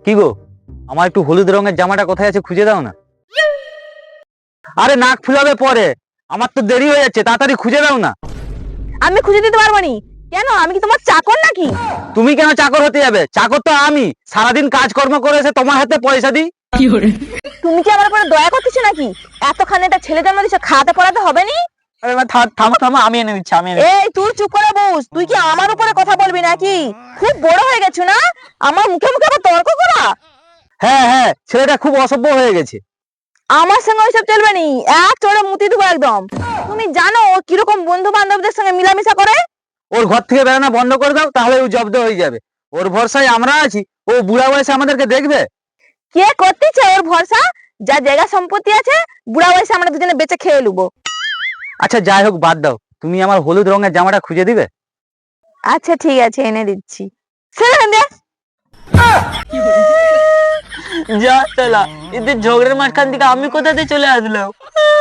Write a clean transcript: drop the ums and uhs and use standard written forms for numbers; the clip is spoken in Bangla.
কি গো, আমার একটু হলুদ রঙের জামাটা কোথায় আছে খুঁজে দাও না। আরে নাক ফুলাবে পরে, আমার তো দেরি হয়ে যাচ্ছে, তাড়াতাড়ি খুঁজে দাও না। আমি খুঁজে দিতে পারবো নি। কেন, আমি কি তোমার চাকর নাকি? তুমি কেন চাকর হতে যাবে? চাকর তো আমি, সারাদিন কাজকর্ম করে এসে তোমার হাতে পয়সা দিই। তুমি কি আমার উপরে দয়া করতেছো নাকি? এতখানি একটা ছেলে জন্ম দিছো, খাওয়াতে পড়াতে হবে নি? আরে মা থামো থামো, আমি এনে দিচ্ছি আমি এনে দিচ্ছি। এই তুই চুপ করে বস। তুই কি আমার উপরে কথা বলবি নাকি? খুব বড় হয়ে গেছো না, আমার মুখে মুখে আবার তর্ক করা। হ্যাঁ হ্যাঁ, ছেলেটা খুব অসভ্য হয়ে গেছে। আমার সঙ্গে ওইসব চলবে নি, এক চড়ে মুতি দেবো একদম। তুমি জানো ও কিরকম বন্ধু বান্ধবদের সঙ্গে মিলামিশা করে? ওর ঘর থেকে বেরোনো বন্ধ করে দাও, তাহলে ও জব্দ হয়ে যাবে। ওর ভরসায় আমরা আছি, ও বুড়া বয়সে আমাদেরকে দেখবে। কে করতেছে ওর ভরসা? যা জায়গা সম্পত্তি আছে, বুড়া বয়সে আমরা দুজনে বেঁচে খেয়ে নেবো। আচ্ছা যাই হোক, বাদ দাও। তুমি আমার হলুদ রঙের জামাটা খুঁজে দিবে? আচ্ছা ঠিক আছে, এনে দিচ্ছি। ছেড়ে দে। যা চলা, এদের ঝগড়ার মাঝখান থেকে আমি কোথাতে চলে আসলাম।